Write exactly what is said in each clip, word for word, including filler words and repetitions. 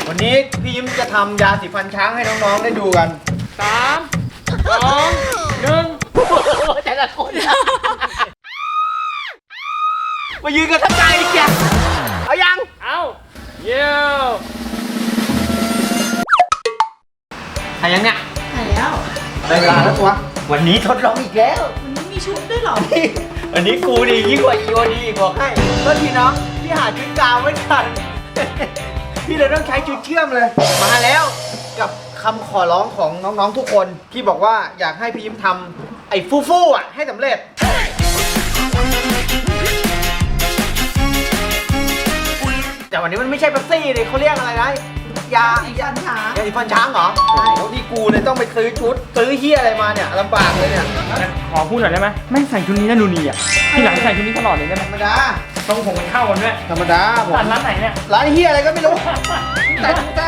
วันนี้พี่ยิ้มจะทำยาสีฟันช้างให้น้องๆได้ดูกันสามสองหนึ่งแต่ละคนมายืนกันทั้งใจแกเอายังเอาเยี่ยวถ่ายยังเนี่ยถ่ายแล้วได้เวลาแล้วตัววันนี้ทดลองอีกแล้ววันนี้มีชุดด้วยเหรอวันนี้กูดียิ่งกว่าอีโอดีบอกให้ก็ทีน้องพี่หาชุดกาวไม่ทันพี่เลยต้องใช้ชุดเชื่อมเลยมาแล้วกับคำขอร้องของน้องๆทุกคนที่บอกว่าอยากให้พี่ยิ้มทำไอ้ฟูฟูอ่ะให้สำเร็จแต่วันนี้มันไม่ใช่เป๊ปซี่เลยเขาเรียกอะไรนะยายาฟันช้างยาสีฟันช้างเหรอแล้วที่กูเนี่ยต้องไปซื้อชุดซื้อเฮียอะไรมาเนี่ยลำบากเลยเนี่ยขอพูดหน่อยได้ไหมไม่ใส่ชุดนี้นะดูนี่อ่ะที่หลังใส่ชุดนี้ตลอดเลยได้ไหมธรรมดาต้องผมมันเข้ากันด้วยธรรมดาผมร้านไหนเนี่ยร้านเฮียอะไรก็ไม่รู้แต่ทุกท่าน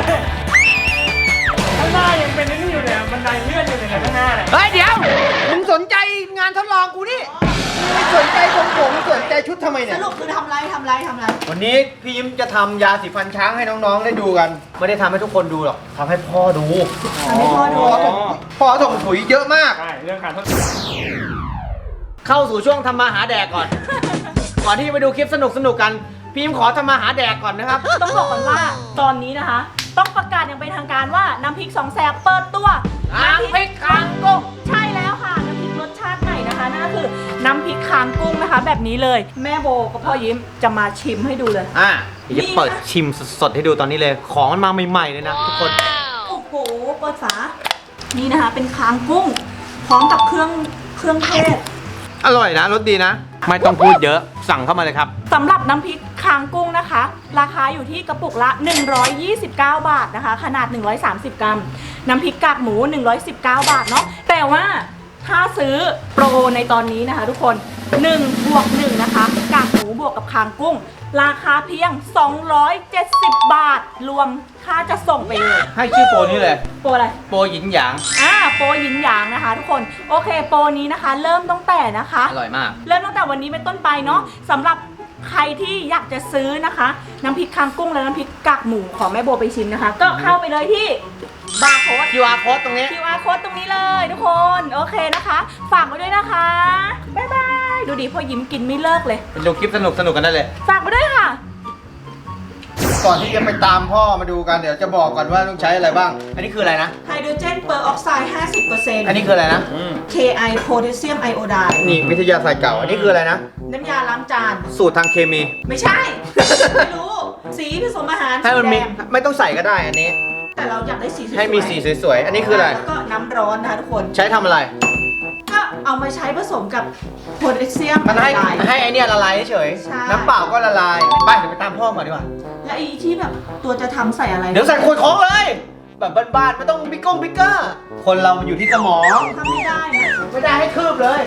ข้างหน้ายังเป็นนี่อยู่เลยบันไดเลื่อนอยู่เลยข้างหน้าเนี่ยเฮ้ยเดี๋ยวมึงสนใจงานทดลองกูนี่ไม่สนใจของผมสนใจชุดทำไมเนี่ยสรุปคือทำไรทำไรทำไรวันนี้พี่ยิ้มจะทำยาสีฟันช้างให้น้องๆได้ดูกันไม่ได้ทำให้ทุกคนดูหรอกทำให้พ่อดูทำให้พ่อดูพ่อส่งปุ๋ยเยอะมากใช่เรื่องการทดลองเข้าสู่ช่วงทำมาหาแดกก่อน ก่อนที่จะไปดูคลิปสนุกสนุกกันพี่ยิ้มขอทำมาหาแดกก่อนนะครับต้องบอกก่อนว่าตอนนี้นะคะต้องประกาศอย่างเป็นทางการว่าน้ำพริกสองแสบเปิดตัวน้ำพริกคางกุ้งใช่แล้วค่ะน้ำพริกรสชาติไหนนะคะนั่นก็คือน้ำพริกคางกุ้งนะคะแบบนี้เลยแม่โบกับพ่อยิ้มจะมาชิมให้ดูเลยอ่ะจะเปิดชิมสดๆให้ดูตอนนี้เลยของมันมาใหม่ๆเลยนะทุกคนโอ้โหเปิดฝานี่นะคะเป็นคางกุ้งพร้อมกับเครื่องเครื่องเทศอร่อยนะรสดีนะไม่ต้องพูดเยอะสั่งเข้ามาเลยครับสำหรับน้ำพริกคางกุ้งนะคะราคาอยู่ที่กระปุกละหนึ่งร้อยยี่สิบเก้าบาทนะคะขนาดหนึ่งร้อยสามสิบกรัมน้ำพริกกากหมูหนึ่งร้อยสิบเก้าบาทเนาะแต่ว่าถ้าซื้อโปรในตอนนี้นะคะทุกคนหนึ่งบวกหนึ่งนะคะกากหมูบวกกับคางกุ้งราคาเพียงสองร้อยเจ็ดสิบบาทรวมค่าจะส่งไปเลยให้ชื่อโปรนี้เลยโปรอะไรโปรหยินหยางอ่าโปรหยินหยางนะคะทุกคนโอเคโปรนี้นะคะเริ่มตั้งแต่นะคะอร่อยมากเริ่มตั้งแต่วันนี้เป็นต้นไปเนาะสำหรับใครที่อยากจะซื้อนะคะน้ำพริกคางกุ้งและน้ำพริกกากหมูของแม่โบไปชิมนะคะก็เข้าไปเลยที่บาร์โค้ดคิว อาร์ โค้ดตรงนี้คิว อาร์ โค้ดตรงนี้เลยทุกคนโอเคนะคะฝากไว้ด้วยนะคะบ๊ายบายดูดิพ่อยิ้มกินไม่เลิกเลยไปดูคลิปสนุกสนุกกันได้เลยฝากไปด้วยค่ะก่อนที่จะไปตามพ่อมาดูกันเดี๋ยวจะบอกก่อนว่าต้องใช้อะไรบ้างอันนี้คืออะไรนะไฮโดรเจนเปอร์ออกไซด์ ห้าสิบเปอร์เซ็นต์อันนี้คืออะไรนะเค ไอ โพแทสเซียมไอโอไดด์นี่วิทยาศาสตร์เก่าอันนี้คืออะไรนะน้ำยาล้างจานสูตรทางเคมีไม่ใช่ไม่รู้สีผสมอาหารให้มันมีไม่ต้องใส่ก็ได้อันนี้แต่เราอยากได้สีสวยให้มีสีสวยๆอันนี้คืออะไรแล้วก็น้ำร้อนนะคะทุกคนใช้ทำอะไรก็เอามาใช้ผสมกับโพแทสเซียมมันให้ให้ไอเนี้ยละลายเฉยน้ำเปล่าก็ละลายไปเดี๋ยวไปตามพ่อก่อนดีกว่าและไอที่แบบตัวจะทำใส่อะไรเดี๋ยวใส่ขวดของเลยแบบบ้านๆไม่ต้องบิ๊กก้งบิ๊กเกอร์คนเรามันอยู่ที่สมองทำไม่ได้นะไม่ได้ให้คืบเลย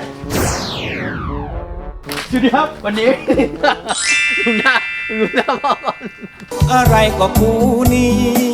สวัสดีครับวันนี้ดูหน้าดูหน้าพ่อก่อนอะไรก็กูนี่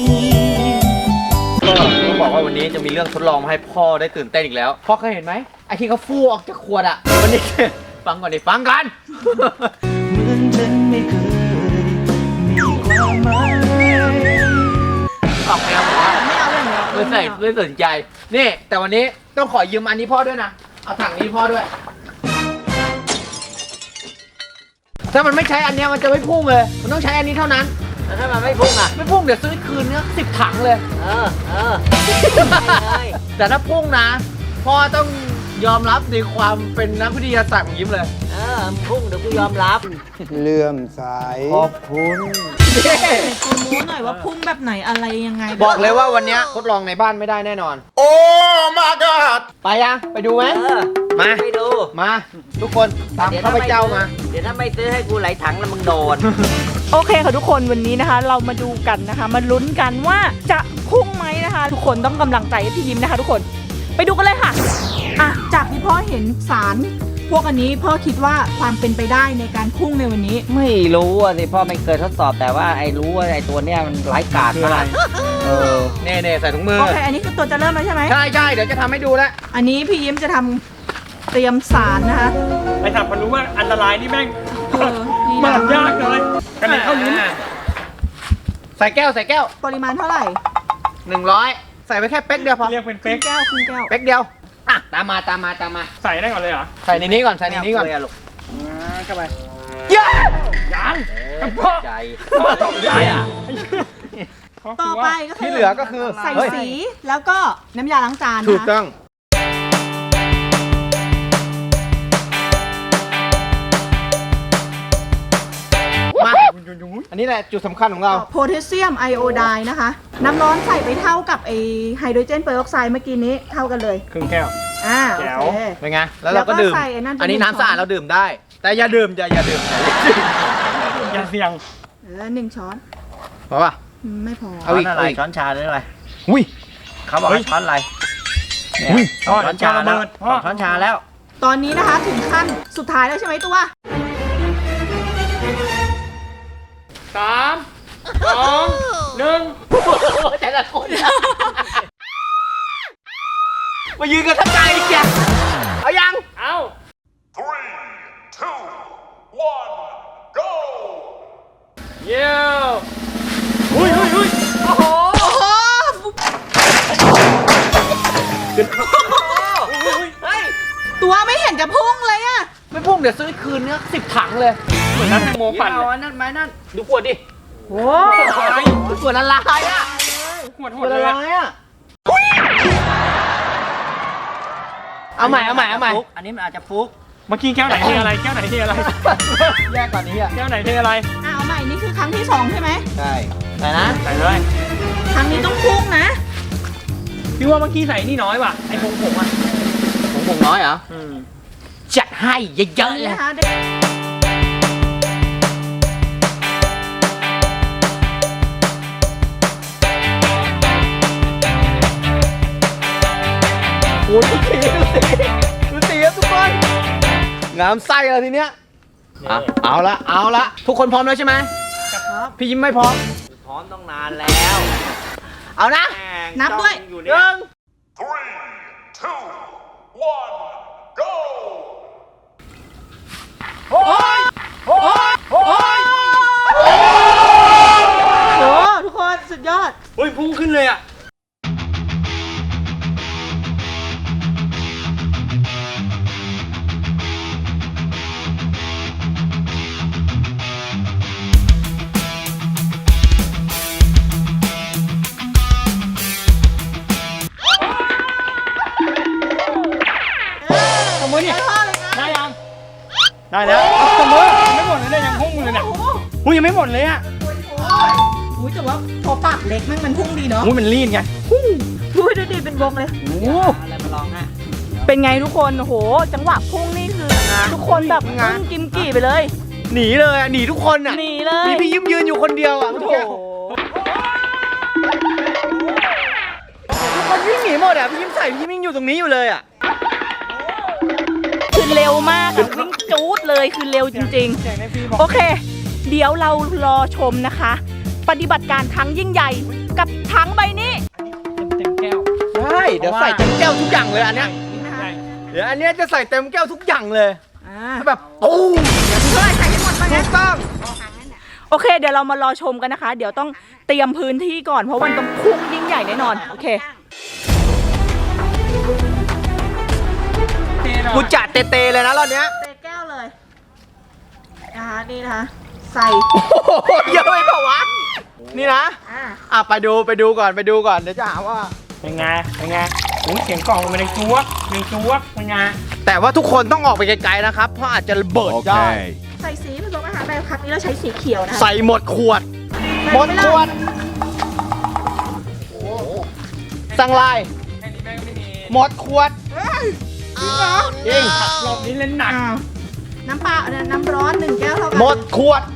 ก็ต้องบอกว่าวันนี้จะมีเรื่องทดลองมาให้พ่อได้ตื่นเต้นอีกแล้วพ่อเคยเห็นไหมไอ้ที่เขาฟูออกจากขวดอ่ะวันนี้ฟังก่อนดิฟังกันเหมือนฉันไม่เคยมีความหมายออกแนวบอกว่าไม่เอาเลยไม่ใส่ไม่สนใจนี่แต่วันนี้ต้องขอยืมอันนี้พ่อด้วยนะเอาถังนี้พ่อด้วยถ้ามันไม่ใช้อันนี้มันจะไม่พุ่งเลยมันต้องใช้อันนี้เท่านั้นแต่ถ้ามันไม่พุ่งอ่ะไม่พุ่งเดี๋ยวซื้อคืนเนี้ยสิบถังเลยเออเออแต่ถ้าพุ่งนะพ่อต้องยอมรับในความเป็นนักวิทยาศาสตร์ของยิ้มเลยเออพุ่งเดี๋ยวกูยอมรับเลื่อมใสขอบคุณกูรู้หน่อยว่าพุ่งแบบไหนอะไรยังไงบอกเลยว่าวันนี้ทดลองในบ้านไม่ได้แน่นอนโอ้มาดอดไปยังไปดูไหมมาไปดูมาทุกคนตามข้าพเจ้ามาเดี๋ยวถ้าไม่ซื้อให้กูไหลถังแล้วมึงโดนโอเคค่ะทุกคนวันนี้นะคะเรามาดูกันนะคะมาลุ้นกันว่าจะพุ่งไหมนะคะทุกคนต้องกำลังใจให้พี่ยิ้มนะคะทุกคนไปดูกันเลยค่ะอ่ะจากที่พ่อเห็นสารพวกอันนี้พ่อคิดว่าความเป็นไปได้ในการพุ่งในวันนี้ไม่รู้อ่ะสิพ่อไม่เคยทดสอบแต่ว่าไอ้รู้ว่าไอ้ตัวเนี้ยมันไร้กาดมากเออเน่เน่ใส่ถุงมือโอเคอันนี้คือตัวจะเริ่มแล้วใช่ไหมใช่ใช่เดี๋ยวจะทำให้ดูแล้วอันนี้พี่ยิ้มจะทำเตรียมสารนะคะไปถามคนรู้ว่าอันตรายนี่แม่งมันยากเลยกระเด็นเข้าลิ้นใส่ส่แก้วใส่แก้วปริมาณเท่าไหร่หนึ่งร้อยใส่ไปแค่เป๊กเดียวพอเรียกเป็นครึ่เป๊กงแก้วครึ่งแก้วเป๊กเดียวอ่ะตามมาตามมาตามมาใส่ได้ก่อนเลยเหรอใส่ในนี้ก่อนใส่ในนี้ก่อนเาเลยะลูกเข้าไปเย้ยังเออพ่อใจตกใจอ่ะต่อไปก็คือที่เหลือก็คือใส่เฮ้ยสีแล้วก็น้ำยาล้างจานถูกนะคะต้อง มา อันนี้แหละจุดสำคัญของเราโพแทสเซียมไอโอไดน์นะคะ น้ำร้อนใส่ไปเท่ากับไอไฮโดรเจนเปอร์ออกไซด์เมื่อกี้นี้เท่ากันเลยครึ่งแก้วอ่าแจ๋โอวเคเป็นไง แล้วเราก็ดื่มแล้วก็ใส่ไอ้นั่นไปอันนี้หนึ่งน้ำสะอาดช้อนเราดื่มได้ แต่อย่าดื่มอย่าอย่าดื่มอย่าเสี่ยงเออหนึ่งช้อนพอป่ะอืมไม่พอเอาอีกอะไรเอาอีกช้อนชาหรืออะไรอุ้ยเขาบอกเฮ้ว่าย ช้อนอะไรเนี่ยอุ้ยสองช้อนชาระแล้เบิวดสองช้อนชาแล้วตอนนี้นะคะถึงขั้นสุดท้ายแล้วใช่ไหมตัวสามสองหนึ่งแต่ละคนมายืนกันทั้งใจอีกแกเอายังเอ้า Three, two, one, go! เยี่ยมอุ้ยอุ้ยอุ้ยโอ้โห ตัวไม่เห็นจะพุ่งเลยอะไม่พุ่งเดี๋ยวซื้อคืนเนี้ยสิบถังเลยเหมือนน้ำแตงโมปั่นเอาเลยอันนั่นไหมนั่นดูขวดดิโอ้ส่วนละลายอ่ะขวดหส่มวดนเลละยอะลายอ่ะ เอาใหม่เอาใหม่เอาใหม่ฟุกอันนี้มันอาจจะฟุกเมื่อกี้แก้วไหนเทอะไร แก้วไหนเทอะไรแยกกว่านี้อ่ะแก้วไหนเทอะไรอ่ะเอาใหม่นี่คือครั้งที่สองใช่ไหมใช่แต่นะใส่เลยครั้งนี้ต้องพุ่งนะพี่ว่าเมื่อกี้ใส่นี่น้อยว่ะ ไอ้ผงผงอ่ะผมผมน้อยเหรออืมจัดให้เยอะๆนี่เลยนะคะเด็กโอ้ยดูสีดูสีดูสีครับทุกคน งามไส้เลยทีเนี้ยอ่ะเอาละเอาละทุกคนพร้อมแล้วใช่ไหมครับพี่ยิ้มไม่พร้อมพร้อมต้องนานแล้วเอานะนับด้วยอยู่หเนี่ยนึ่ง Three, two, one, go! โอ้ทุกคนสุดยอดเฮ้ยพุ่งขึ้นเลยอ่ะ ทำไมเนี่ย ได้ยัง ได้แล้วเอาเสมอไม่หมดเลยเนี่ยยังพุ่งเลยเนี่ยอุ้ยยังไม่หมดเลยอ่ะอุ้ยแต่ว่าพอปากเล็กแม่งมันพุ่งดีเนาะอุ้ยมันรีดไงอุ้ยดูดิเป็นวงเลยโอ้อะไรมาลองฮะเป็นไงทุกคนโอ้โห จังหวะพุ่งนี่คือ ทุกคนแบบพุ่งกิมกี่ไปเลยหนีเลยอ่ะหนีทุกคนอ่ะหนีเลยมีพี่ยิ้มยืนอยู่คนเดียวอ่ะโอ้ทุกโหคนวิ่งหนีหมดอ่ะพี่ยิ้มใส่พี่ยิ้มยังอยู่ตรงนี้อยู่เลยอ่ะคือเร็วมากอะวิ่งจู๊ดเลยคือเร็วจริงเจ๋งในพี่บอกๆ โอเค เดี๋ยวเรารอชมนะคะ ปฏิบัติการครั้งยิ่งใหญ่กับถังใบนี้เต็มแก้วใช่เดี๋ยวใส่เต็มแก้วทุกอย่างเลยอันเนี้ยใช่เดี๋ยวอันเนี้ยจะใส่เต็มแก้วทุกอย่างเลยอ่าแบบตู้มเท่าไหร่ใส่ให้หมดไปถูนะกต้องโอเค เดี๋ยวเรามารอชมกันนะคะ เดี๋ยวต้องเตรียมพื้นที่ก่อนเพราะมันต้องพุ่งยิ่งใหญ่แน่นอนโอเคเทหน่อยกูจัดเตๆเลยนะรอบเนี้ยเตะแก้วเลยนะคะนี่นะคะใส่โอ้โหเยอะไปเปล่าวะนี่นะอ่าอ่ะไปดูไปดูก่อนไปดูก่อนเดี๋ยวจะหาว่าเป็นไงเป็นไงโอ้ยเสียงกล่องมันในจั๊วในจั๊วเป็นไงแต่ว่าทุกคนต้องออกไปไกลๆนะครับ เพราะอาจจะระเบิดได้ใส่สีผสมอาหารแบบครั้งนี้เราใช้สีเขียวนะคะใส่หมดขวด หมดขวด สั่งลายแค่นี้แม่งไม่มีหมดขวดจริงเหรอจริงรอบนี้เล่นหนักอ้าวน้ำเปล่าเนี่ยน้ำร้อนหนึ่งแก้วเท่ากันหมดขวด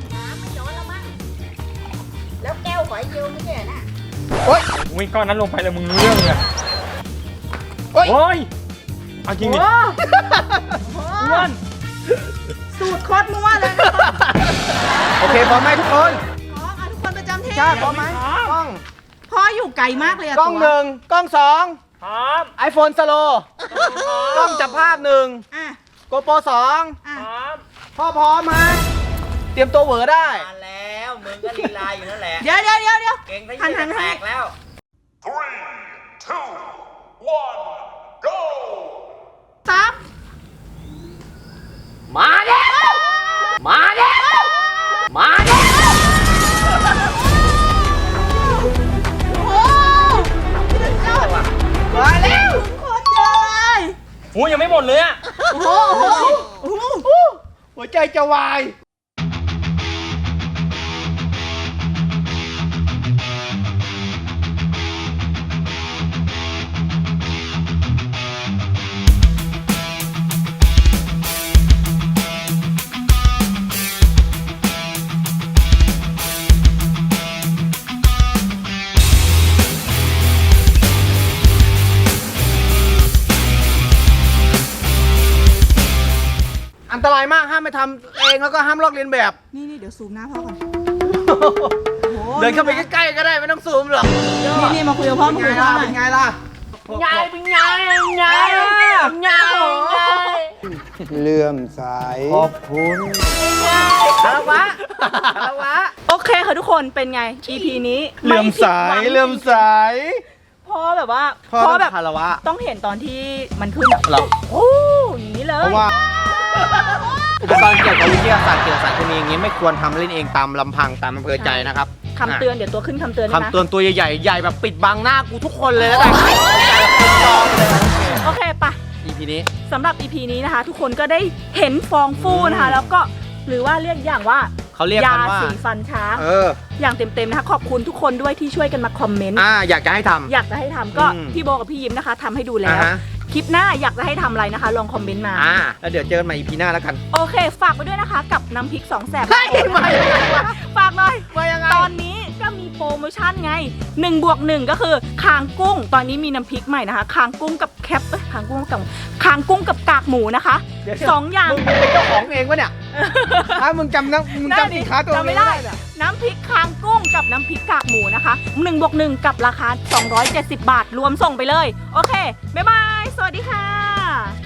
แล้วแก้วหอยเยียวไม่ใช่น่ะโอ๊ยอุ้ยก้อนนั้นลงไปแล้วมึงรู้เรื่องเลยโอ๊ยโอ้ยเอาจริงดิโอ้อ้วนสูตรโคตรมั่วเลยนะคะโอเคพร้อมไหมทุกคนพร้อมอ่ะทุกคนประจำที่ชาติพร้อมไหมกล้องพ่ออยู่ไกลมากเลยอะกล้องตัวหนึ่งกล้องสองพร้อมไอโฟนสโลกล้องจับภาพหนึ่งอ่ะโกโปรสองอ่ะพร้อมพ่อพร้อมฮะเตรียมตัวเหวอได้มาแล้วมึงก็ลีลาอยู่นั่นแหละเดี๋ยวเดี๋ยวเดี๋ยวเดี๋ยวเก่งทั้งหันยืหันนแตให้กแล้ว Three, two, one, go! สามมาแล้วมาแล้วมาแล้วโอ้สุดยอดมาแล้วโคตรเยอะเลยหูยังไม่หมดเลยอ่ะโอ้โหโอ้โหหัวใจจะวาย อันตรายมากห้ามไปทำเองแล้วก็ห้ามลอกเลียนแบบนี่นี่เดี๋ยวซูมหน้าพ่อก่อนเดินเข้าไปใกล้ๆก็ได้ไม่ต้องซูมหรอกนี่นี่มาคุยกับพ่อมาคุยกับพ่อหน่อยเป็นไงล่ะไงเป็นไงไงไงเลื่อมใสขอบคุณคารวะคารวะโอเคค่ะทุกคนเป็นไง อี พี นี้เลื่อมใสไผิดหวังเลื่อมใสพ่อแบบว่าพ่อพ่อต้องแบบคารวะต้องเห็นตอนที่มันขึ้นอะหรอโอ้อย่างนี้เลยเพราะว่าอุปกรณ์เกี่ยวกับวิทยาศาสตร์เกี่ยวกับสารเคมีอย่างนี้ไม่ควรทำเล่นเองตามลำพังตามอำเภอใจนะครับคำเตือนเดี๋ยวตัวขึ้นคำเตือนด้วยนะคำเตือนตัวใหญ่ๆใหญ่แบบปิดบังหน้ากูทุกคนเลยแล้วกันใหญ่แบบเป็นจองเลยโอเคปะอีพีนี้สำหรับ อี พี นี้นะคะ ทุกคนก็ได้เห็นฟองฟูนะคะ แล้วก็หรือว่าเรียกอย่างว่าเขาเรียกกันว่าสีฟันช้างเอออย่างเต็มๆนะคะ ขอบคุณทุกคนด้วยที่ช่วยกันมาคอมเมนต์อ่าอยากจะให้ทำอยากจะให้ทำก็อืมพี่โบกับพี่ยิ้มนะคะทำให้ดูแล้อ่าว ฮะคลิปหน้าอยากจะให้ทำอะไรนะคะ ลองคอมเมนต์มาอ่าแล้วเดี๋ยวเจอกันใหม่อีพีหน้าแล้วกันโอเค ฝากไปด้วยนะคะ กับน้ำพริกสองแสบเฮ้ยมายังไงวะฝากหน่อยมายังไงตอนนี้ก็มีโปรโมชั่นไง1บวกหนึ่งก็คือคางกุ้ง ตอนนี้มีน้ำพริกใหม่นะคะคางกุ้งกับแคปเอ้ยคางกุ้งกับคางกุ้งกับกากหมูนะคะเดี๋ยวสองอย่างมึงเป็นเจ้าของเองวะเนี่ยถ้ามึงจำนะมึงจำสินค้าตัวจำเอไม่งได้ไม่ได้เนี่ยน้ำพริกคางกุ้งกับน้ำพริกกากหมูนะคะ1บวกหนึ่งกับราคาสองร้อยเจ็ดสิบบาทรวมส่งไปเลย โอเค บ๊ายบาย สวัสดีค่ะ